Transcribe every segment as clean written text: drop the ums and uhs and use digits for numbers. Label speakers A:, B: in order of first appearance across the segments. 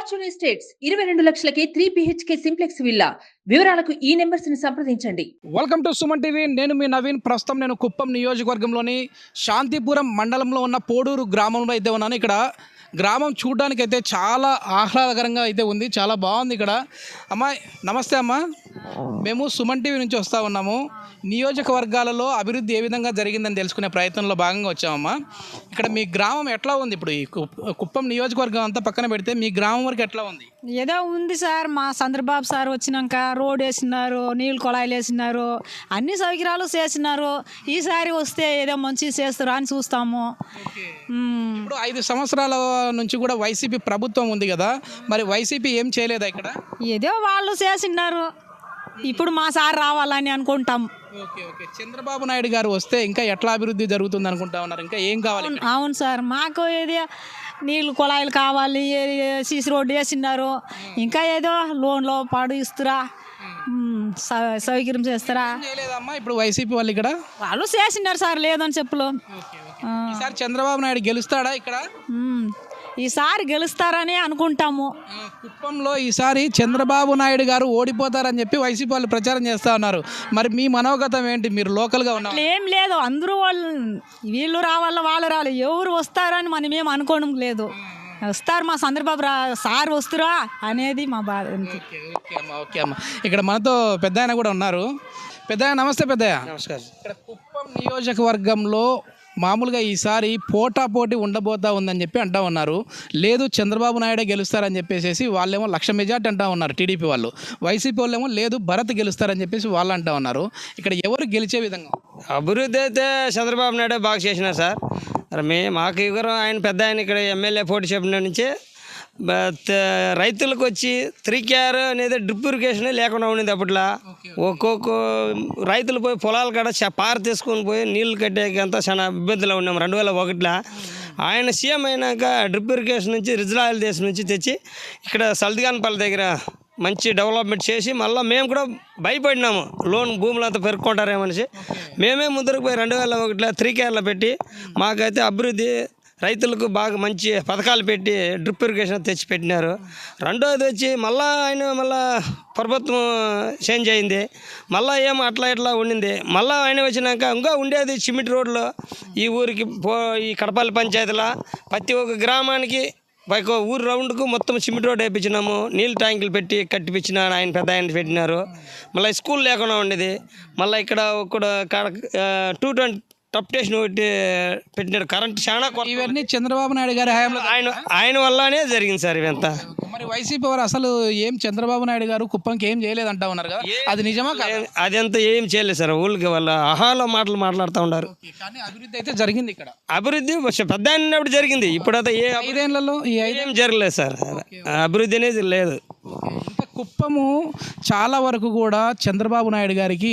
A: Fortune estates 22 లక్షలకే 3 BHK simplex villa. వివరాలకు ఈ నెంబర్స్ ని సంప్రదించండి.
B: Welcome to Suman TV. నేను మీ నవీన్. ప్రస్తుతం నేను కుప్పం నియోజకవర్గంలోని శాంతిపురం మండలంలో ఉన్న పోడూరు గ్రామంలో అయితే ఉన్నాను. ఇక్కడ గ్రామం చూడడానికి అయితే చాలా ఆహ్లాదకరంగా అయితే ఉంది. చాలా బాగుంది ఇక్కడ. అమ్మ నమస్తే అమ్మ. మేము సుమన్ టీవీ నుంచి వస్తూ ఉన్నాము. నియోజకవర్గాలలో అభివృద్ధి ఏ విధంగా జరిగిందని తెలుసుకునే ప్రయత్నంలో భాగంగా వచ్చామమ్మా. ఇక్కడ మీ గ్రామం ఎట్లా ఉంది? ఇప్పుడు ఈ కుప్పం నియోజకవర్గం అంతా పక్కన పెడితే మీ గ్రామం వరకు ఎట్లా ఉంది?
C: ఏదో ఉంది సార్. మా చంద్రబాబు సార్ వచ్చినాక రోడ్ వేసినారు, నీళ్ళు కొళాయిలు వేసినారు, అన్ని సౌకర్యాలు చేసినారు. ఈసారి వస్తే ఏదో మంచి చేస్తారు అని చూస్తాము.
B: ఇప్పుడు 5 సంవత్సరాల నుంచి కూడా వైసీపీ ప్రభుత్వం ఉంది కదా, మరి వైసీపీ ఏం చేయలేదా ఇక్కడ?
C: ఏదో వాళ్ళు చేసినారు. ఇప్పుడు మా సార్ రావాలని అనుకుంటాం.
B: Okay okay. చంద్రబాబు నాయుడు గారు వస్తే ఇంకా ఎట్లా అభివృద్ధి జరుగుతుంది అనుకుంటా ఉన్నారు? ఇంకా ఏం కావాలి?
C: అవును సార్, మాకు ఏదో నీళ్ళు కుళాయిలు కావాలి, సీసీ రోడ్డు వేసినారు, ఇంకా ఏదో లోన్లో పాడు ఇస్తురా, సౌకర్యం చేస్తారా.
B: చేయలేదమ్మా ఇప్పుడు వైసీపీ వాళ్ళు ఇక్కడ?
C: వాళ్ళు చేసినారు సార్, లేదని చెప్పులు.
B: ఈసారి చంద్రబాబు నాయుడు గెలుస్తాడా ఇక్కడ?
C: ఈసారి గెలుస్తారని అనుకుంటాము.
B: కుప్పంలో ఈసారి చంద్రబాబు నాయుడు గారు ఓడిపోతారని చెప్పి వైసీపీ వాళ్ళు ప్రచారం చేస్తూ ఉన్నారు. మరి మీ మనోగతం ఏంటి? మీరు లోకల్గా ఉన్నారు.
C: ఏం లేదు, అందరూ వాళ్ళు వీళ్ళు రావాల వాళ్ళు రావాలి, ఎవరు వస్తారని మనం ఏం అనుకోవడం లేదు. వస్తారు, మా చంద్రబాబు సార్ వస్తురా అనేది మా బాధ.
B: ఓకే అమ్మ. ఇక్కడ మనతో పెద్ద ఆయన కూడా ఉన్నారు. పెద్దయ్య నమస్తే. పెద్దయ్య
D: నమస్కారం.
B: ఇక్కడ కుప్పం నియోజకవర్గంలో మామూలుగా ఈసారి పోటాపోటీ ఉండబోతా ఉందని చెప్పి అంటూ ఉన్నారు. లేదు చంద్రబాబు నాయుడే గెలుస్తారని చెప్పేసి వాళ్ళేమో 1,00,000 మెజార్టీ అంటూ ఉన్నారు టీడీపీ వాళ్ళు. వైసీపీ వాళ్ళేమో లేదు భరత్ గెలుస్తారని చెప్పేసి వాళ్ళు అంటూ ఉన్నారు. ఇక్కడ ఎవరు గెలిచే విధంగా?
D: అభివృద్ధి అయితే చంద్రబాబు నాయుడే బాగా చేసినారు సార్. మాకు ఎవరు ఆయన పెద్ద ఆయన ఇక్కడ ఎమ్మెల్యే పోటీ చెప్పిన నుంచి రైతులకు వచ్చి 3KR అనేది డ్రిప్ ఇరిగేషన్ లేకుండా ఉండేది. అప్పట్లో ఒక్కొక్క రైతులు పోయి పొలాలు కాడ పార తీసుకొని పోయి నీళ్లు కట్టేకంతా చాలా ఇబ్బందులు ఉన్నాం. 2001లో ఆయన సీఎం అయినాక డ్రిప్ ఇరిగేషన్ నుంచి రిజరాయిల్ దేశం నుంచి తెచ్చి ఇక్కడ సల్దిగానపల్లి దగ్గర మంచి డెవలప్మెంట్ చేసి మళ్ళీ మేము కూడా భయపడినాము, లోన్ భూములంతా పెరుక్కుంటారేమనేసి మేమే ముందరకు పోయి 2001లో 3KRలో పెట్టి మాకైతే అభివృద్ధి రైతులకు బాగా మంచి పథకాలు పెట్టి డ్రిప్ ఇరిగేషన్ తెచ్చి పెట్టినారు. రెండోది వచ్చి మళ్ళీ ప్రభుత్వం చేంజ్ అయింది, మళ్ళీ ఏమో అట్లా ఉండింది. మళ్ళీ ఆయన వచ్చినాక ఇంకా ఉండేది సిమెంట్ రోడ్లో ఈ ఊరికి ఈ కడపల్లి పంచాయతీలో ప్రతి ఒక్క గ్రామానికి ఊరు రౌండ్కు మొత్తం సిమెంట్ రోడ్ వేయించినాము. నీళ్ళు ట్యాంకులు పెట్టి కట్టిపించిన ఆయన పెద్ద ఆయన పెట్టినారు. మళ్ళీ స్కూల్ లేకుండా ఉండేది. మళ్ళీ ఇక్కడ ఒక 220 టప్ స్టేషన్ ఒకటి పెట్టినాడు. కరెంట్ చాలా
B: ఇవన్నీ చంద్రబాబు నాయుడు గారి హయాంలో
D: ఆయన వల్లనే జరిగింది సార్ ఇవంతా.
B: మరి వైసీపీ వారు అసలు ఏం చంద్రబాబు నాయుడు గారు కుప్పంకి ఏం చేయలేదంటా ఉన్నారు కదా, అది నిజమా?
D: అదంతా ఏం చేయలేదు సార్. ఊళ్ళకి వాళ్ళ అహాలో మాట్లాడుతూ ఉన్నారు.
B: కానీ అభివృద్ధి అయితే జరిగింది ఇక్కడ.
D: అభివృద్ధి పెద్ద అయినప్పుడు జరిగింది. ఇప్పుడైతే
B: 5 ఏళ్లలో ఏం
D: జరగలేదు సార్. అభివృద్ధి అనేది లేదు.
B: ఇంకా కుప్పము చాలా వరకు కూడా చంద్రబాబు నాయుడు గారికి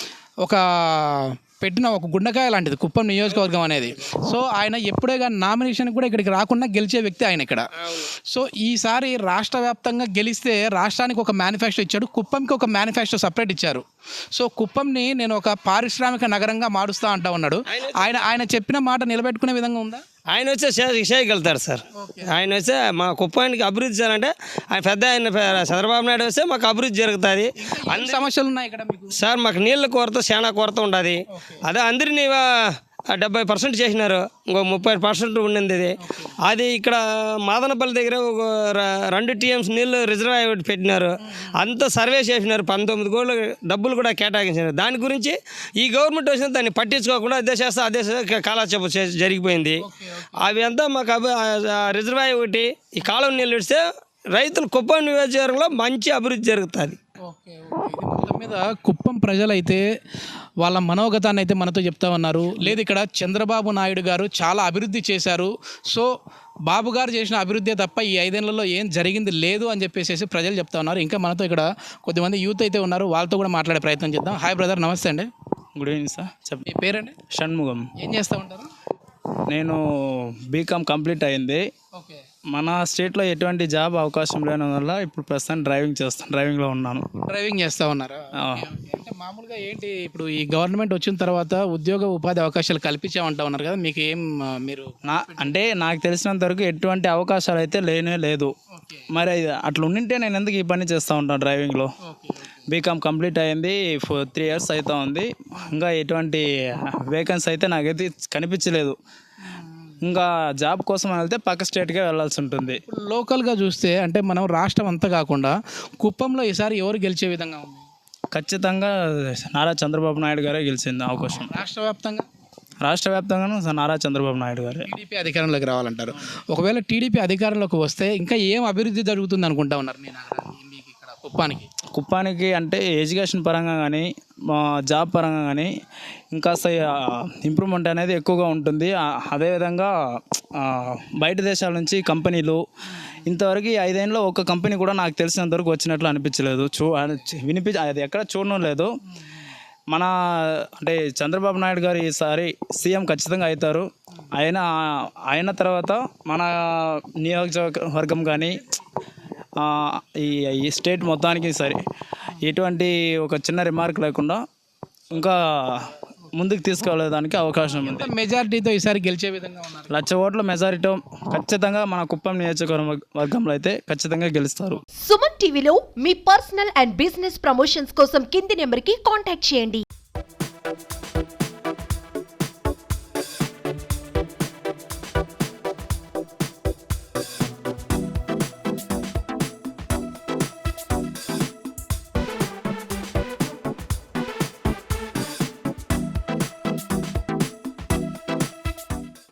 B: పెట్టిన ఒక గుండెకాయ లాంటిది కుప్పం నియోజకవర్గం అనేది. సో ఆయన ఎప్పుడే కానీ నామినేషన్ కూడా ఇక్కడికి రాకుండా గెలిచే వ్యక్తి ఆయన ఇక్కడ. సో ఈసారి రాష్ట్ర వ్యాప్తంగా గెలిస్తే రాష్ట్రానికి ఒక మేనిఫెస్టో ఇచ్చాడు, కుప్పంకి ఒక మేనిఫెస్టో సపరేట్ ఇచ్చారు. సో కుప్పంని నేను ఒక పారిశ్రామిక నగరంగా మారుస్తా అంటా ఉన్నాడు. ఆయన చెప్పిన మాట నిలబెట్టుకునే విధంగా ఉందా?
D: ఆయన వచ్చే చేయగలుగుతారు సార్. ఆయన వస్తే మా కుప్పానికి అభివృద్ధి చేయాలంటే ఆయన పెద్ద ఆయన చంద్రబాబు నాయుడు వస్తే మాకు అభివృద్ధి జరుగుతుంది.
B: అన్ని సమస్యలు ఉన్నాయి ఇక్కడ
D: సార్. మాకు నీళ్ళ కొరత చాలా కొరత ఉండదు. అదే అందరినీ 70% చేసినారు, ఇంకో 30% ఉండింది. అది ఇక్కడ మాదనపల్లి దగ్గర ఒక 2 TMs నీళ్ళు రిజర్వాయర్ పెట్టినారు. అంతా సర్వే చేసినారు. 19 కోట్ల డబ్బులు కూడా కేటాయించినారు. దాని గురించి ఈ గవర్నమెంట్ వచ్చిన దాన్ని పట్టించుకోకుండా అదే కాలక్షేపం జరిగిపోయింది. అవి అంతా మాకు రిజర్వాయర్ ఒకటి ఈ కాలం నీళ్ళు ఇస్తే రైతులు కుప్పం నియోజకవర్గంలో మంచి అభివృద్ధి జరుగుతుంది.
B: మొత్తం మీద కుప్పం ప్రజలైతే వాళ్ళ మనోగతాన్ని అయితే మనతో చెప్తా ఉన్నారు. లేదు ఇక్కడ చంద్రబాబు నాయుడు గారు చాలా అభివృద్ధి చేశారు, సో బాబు గారు చేసిన అభివృద్ధి తప్ప ఈ 5 ఏళ్లలో ఏం జరిగింది లేదు అని చెప్పేసి ప్రజలు చెప్తా ఉన్నారు. ఇంకా మనతో ఇక్కడ కొద్దిమంది యూత్ అయితే ఉన్నారు, వాళ్ళతో కూడా మాట్లాడే ప్రయత్నం చేద్దాం. హాయ్ బ్రదర్, నమస్తే అండి.
E: Good evening sir.
B: మీ పేరండి?
E: షణ్ముఖం.
B: ఏం చేస్తూ ఉంటారు?
E: నేను బీకామ్ కంప్లీట్ అయింది.
B: ఓకే.
E: మన స్టేట్లో ఎటువంటి జాబ్ అవకాశం లేని వల్ల ఇప్పుడు ప్రస్తుతం డ్రైవింగ్లో ఉన్నాను.
B: డ్రైవింగ్ చేస్తూ ఉన్నారా?
E: ఆ.
B: అంటే మామూలుగా ఏంటి ఇప్పుడు ఈ గవర్నమెంట్ వచ్చిన తర్వాత ఉద్యోగ ఉపాధి అవకాశాలు కల్పించామంటా ఉన్నారు కదా, మీకు ఏం మీరు
E: అంటే నాకు తెలిసినంత వరకు ఎటువంటి అవకాశాలు అయితే లేనే లేదు. మరి అట్లా ఉండింటే నేను ఎందుకు ఈ పని చేస్తూ ఉంటాను డ్రైవింగ్లో. బీకామ్ కంప్లీట్ అయింది, 3 years అవుతా ఉంది. ఇంకా ఎటువంటి వేకెన్సీ అయితే నాకైతే కనిపించలేదు. ఇంకా జాబ్ కోసం వెళ్తే పక్క స్టేట్కే వెళ్ళాల్సి ఉంటుంది.
B: ఇప్పుడు లోకల్గా చూస్తే అంటే మనం రాష్ట్రం అంతా కాకుండా కుప్పంలో ఈసారి ఎవరు గెలిచే విధంగా ఉంది?
E: ఖచ్చితంగా నారా చంద్రబాబు నాయుడు గారే గెలిచింది అవకాశం. రాష్ట్ర వ్యాప్తంగాను నారా చంద్రబాబు నాయుడు గారే.
B: టీడీపీ అధికారంలోకి రావాలంటారు. ఒకవేళ టీడీపీ అధికారంలోకి వస్తే ఇంకా ఏం అభివృద్ధి జరుగుతుంది అనుకుంటా ఉన్నారు మీ నగరానికి, మీకు ఇక్కడ
E: కుప్పానికి అంటే ఎడ్యుకేషన్ పరంగా కానీ జాబ్ పరంగా కానీ ఇంకా ఇంప్రూవ్మెంట్ అనేది ఎక్కువగా ఉంటుంది. అదేవిధంగా బయట దేశాల నుంచి కంపెనీలు ఇంతవరకు 5 ఏళ్ళలో ఒక కంపెనీ కూడా నాకు తెలిసినంతవరకు వచ్చినట్లు అనిపించలేదు. అది ఎక్కడ చూడడం లేదు. మన అంటే చంద్రబాబు నాయుడు గారు ఈసారి సీఎం ఖచ్చితంగా అవుతారు. అయిన తర్వాత మన నియోజకవర్గం కానీ ఈ స్టేట్ మొత్తానికి సరే ఎటువంటి ఒక చిన్న రిమార్క్ లేకుండా ఇంకా ముందుకు తీసుకెళ్ళడానికి అవకాశం ఉంది.
B: మెజారిటీతో ఈసారి గెలిచే విధంగా ఉన్నారు.
E: 1,00,000 ఓట్ల మెజారిటీ ఖచ్చితంగా మన కుప్పం నియోజకవర్గంలో అయితే ఖచ్చితంగా గెలుస్తారు.
F: సుమన్ టీవీలో మీ పర్సనల్ అండ్ బిజినెస్ ప్రమోషన్స్ కోసం కింది నెంబర్కి కాంటాక్ట్ చేయండి.